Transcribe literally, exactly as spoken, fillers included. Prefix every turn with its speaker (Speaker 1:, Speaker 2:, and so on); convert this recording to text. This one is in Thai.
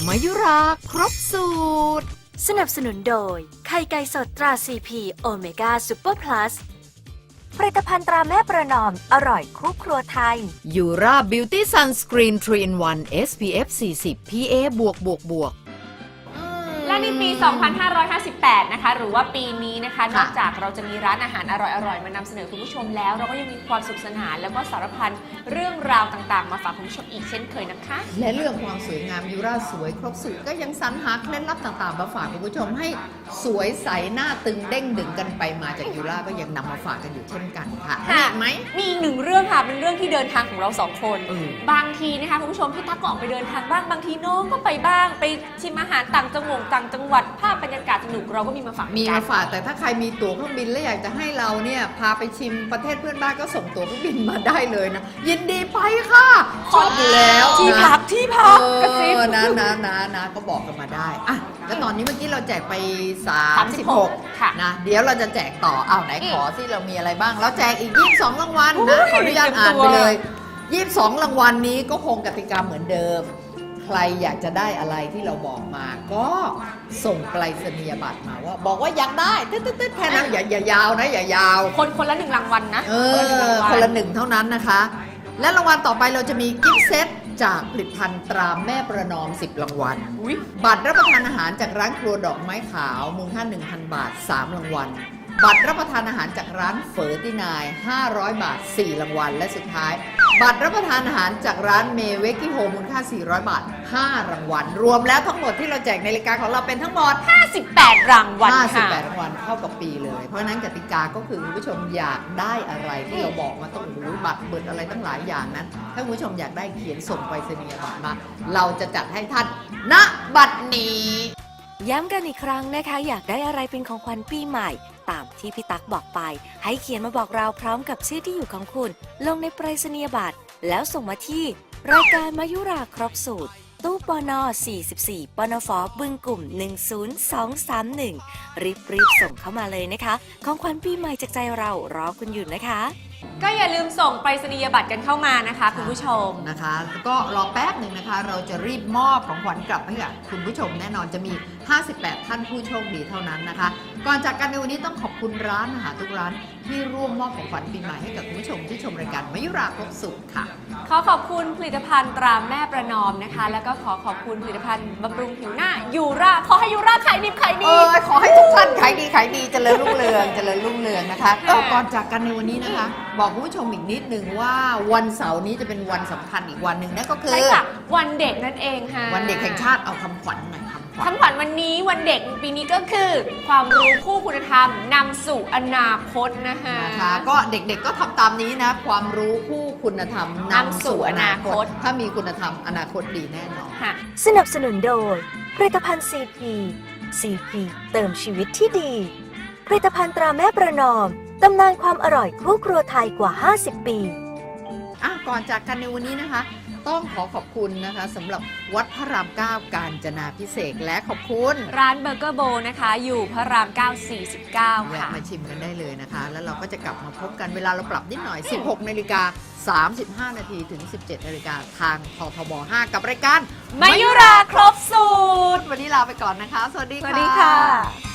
Speaker 1: มายุราครบสูตร
Speaker 2: สนับสนุนโดยไข่ไก่สดตราซีพีโอเมก้าซูเปอร์พลัสผลิตภัณฑ์ตราแม่ประนอมอร่อยคู่ครัวไทย
Speaker 1: ยูราบิวตี้ซันสกรีน ทรี อิน วัน เอส พี เอฟ สี่สิบ พี เอ บวกบวกบวก
Speaker 3: และในปี สองพันห้าร้อยห้าสิบแปด นะคะหรือว่าปีนี้นะคะนอกจากเราจะมีร้านอาหารอร่อยๆมานำเสนอคุณผู้ชมแล้วเราก็ยังมีความสุขสนานแล้วก็สารพันเรื่องราวต่างๆมาฝากคุณผู้ชมอีกเช่นเคยนะคะ
Speaker 1: และเรื่องความสวยงามยูราสวยครบสูตรก็ยังสรรหาเคล็ดลับต่างๆมาฝากคุณผู้ชมให้สวยใสหน้าตึงเด้งดึงกันไปมาจากยูราก็ยังนำมาฝากกันอยู่เช่นกันค่ะมีอีกไหม
Speaker 3: มีอีกหนึ่งเรื่องค่ะเป็นเรื่องที่เดินทางของเราสองคนบางทีนะคะคุณผู้ชมพี่ตั๊กก็ออกไปเดินทางบ้างบางทีน้องก็ไปบ้างไปชิมอาหารต่างจังหวัดต่างจังหวัดภาพบรรยากาศสนุกเราก็มีมาฝาก
Speaker 1: มีมาฝากแต่ถ้าใครมีตั๋วเครื่องบินและอยากจะให้เราเนี่ยพาไปชิมประเทศเพื่อนบ้านก็ส่งตั๋วเครื่องบินมาได้เลยนะยินดีไปค่ะชอบอยู่แล้ว
Speaker 3: ที่พักที่พักกระซิบ
Speaker 1: นะนะนะนะก็บอกกันมาได้อ่ะแล้วตอนนี้เมื่อกี้เราแจกไปสามสิบหกนะเดี๋ยวเราจะแจกต่ออ้าวไหนขอสิเรามีอะไรบ้างเราแจกอีกยี่สิบสองรางวัลนะขออนุญาตอ่านไปเลยยี่สิบสองรางวัลนี้ก็คงกติกาเหมือนเดิมใครอยากจะได้อะไรที่เราบอกมาก็ส่งไปรษณียบัตรมาว่าบอกว่าอยากได้ตึ๊ดๆแค่นั้นอย่าอย่ายาวนะอย่ายาว
Speaker 3: คนคนละหนึ่งรางวัลนะ
Speaker 1: เออคนละหนึ่งเท่านั้นนะคะและรางวัลต่อไปเราจะมีกิฟต์เซตจากผลิตภัณฑ์ตราแม่ประนอมสิบรางวัลบัตรรับประทานอาหารจากร้านครัวดอกไม้ขาวมูลค่า หนึ่งพัน บาทสามรางวัลบัตรรับประทานอาหารจากร้านเฝอตินายห้าร้อยบาทสี่รางวัลและสุดท้ายบัตรรับประทานอาหารจากร้านเมเวกิโฮมูลค่าสี่ร้อยบาทห้ารางวัลรวมแล้วทั้งหมดที่เราแจกในรายการของเราเป็นทั้งหมด
Speaker 3: ห้าสิบแปดรางวัลค่ะ
Speaker 1: ห้าสิบแปดรางวัลเข้ากับปีเลยเพราะฉะนั้นกติกาก็คือคุณผู้ชมอยากได้อะไรที่เราบอกมาต้องรู้บัตรเบิดอะไรตั้งหลายอย่างนั้นถ้าคุณผู้ชมอยากได้เขียนส่งไปรษณียบัตรมาเราจะจัดให้ท่านณบัดนี้
Speaker 2: ย้ำกันอีกครั้งนะคะอยากได้อะไรเป็นของขวัญปีใหม่ตามที่พี่ตั๊กบอกไปให้เขียนมาบอกเราพร้อมกับชื่อที่อยู่ของคุณลงในไปรษณียบัตรแล้วส่งมาที่รายการมายุราครบสูตรตู้ปนสี่สิบสี่ปนฟบึงกลุ่มหนึ่งศูนย์สองสามหนึ่งรีบรีบส่งเข้ามาเลยนะคะของขวัญปีใหม่จากใจเรารอคุณอยู่นะคะ
Speaker 3: ก็อย่าลืมส่งไปรษณียบัตรกันเข้ามานะคะคุณผู้ชม
Speaker 1: นะคะก็รอแป๊บหนึ่งนะคะเราจะรีบมอบของขวัญกลับให้กับคุณผู้ชมแน่นอนจะมีห้าสิบแปดท่านผู้โชคดีเท่านั้นนะคะก่อนจากกันในวันนี้ต้องขอบคุณร้านอาหารทุกร้านที่ร่วมมอบของขวัญปีใหม่ให้กับคุณผู้ชมที่ชมรายการมายุราครบสูตรค่ะ
Speaker 3: ขอขอบคุณผลิตภัณฑ์ตราแม่ประนอมนะคะแล้วก็ขอขอบคุณผลิตภัณฑ์บำรุงผิวหน้ายูราขอให้ยูราขายดีขายดี
Speaker 1: เออขอให้ทุกท่านขายดีขายดีเจริญรุ่งเรืองเจริญรุ่งเรืองนะคะก็ก่อนจากกันในวันนี้นะคะบอกคุณผู้ชมอีกนิดนึงว่าวันเสาร์นี้จะเป็นวันสำคัญอีกวันหนึ่งนั่นก็คือ
Speaker 3: ใช่ค่ะวันเด็กนั่นเองค่ะ
Speaker 1: วันเด็กแห่งชาติเอาคำขวัญหน่อย
Speaker 3: คำขวัญวันนี้วันเด็กปีนี้ก็คือความรู้คู่คุณธรรมนำสู่อนาคตนะคะ
Speaker 1: นะคะก็เด็กๆก็ทำตามนี้นะความรู้คู่คุณธรรมนำสู่อนาคตถ้ามีคุณธรรมอนาคตดีแน่นอน
Speaker 2: ค่ะสนับสนุนโดยผลิตภัณฑ์ ซี พี ซี พี เติมชีวิตที่ดีผลิตภัณฑ์ตราแม่ประนอมตำนานความอร่อยคู่ครัวไทยกว่าห้าสิบปี
Speaker 1: อ่ะก่อนจากกันในวันนี้นะคะต้องขอขอบคุณนะคะสำหรับวัดพระรามเก้ากาญจนาภิเษกและขอบคุณ
Speaker 3: ร้านเบอร์เกอร์โบนะคะอยู่พระรามเก้า สี่สิบเก้าค่ะ
Speaker 1: มาชิมกันได้เลยนะคะแล้วเราก็จะกลับมาพบกันเวลาเราปรับนิดหน่อย สิบหกนาฬิกาสามสิบห้านาทีถึง สิบเจ็ดนาฬิกาทางททบห้ากับรายการ
Speaker 3: มายุราครบสูตร
Speaker 1: วันนี้ลาไปก่อนนะคะสวัสดี
Speaker 3: ค่ะสวัสดีค่ะ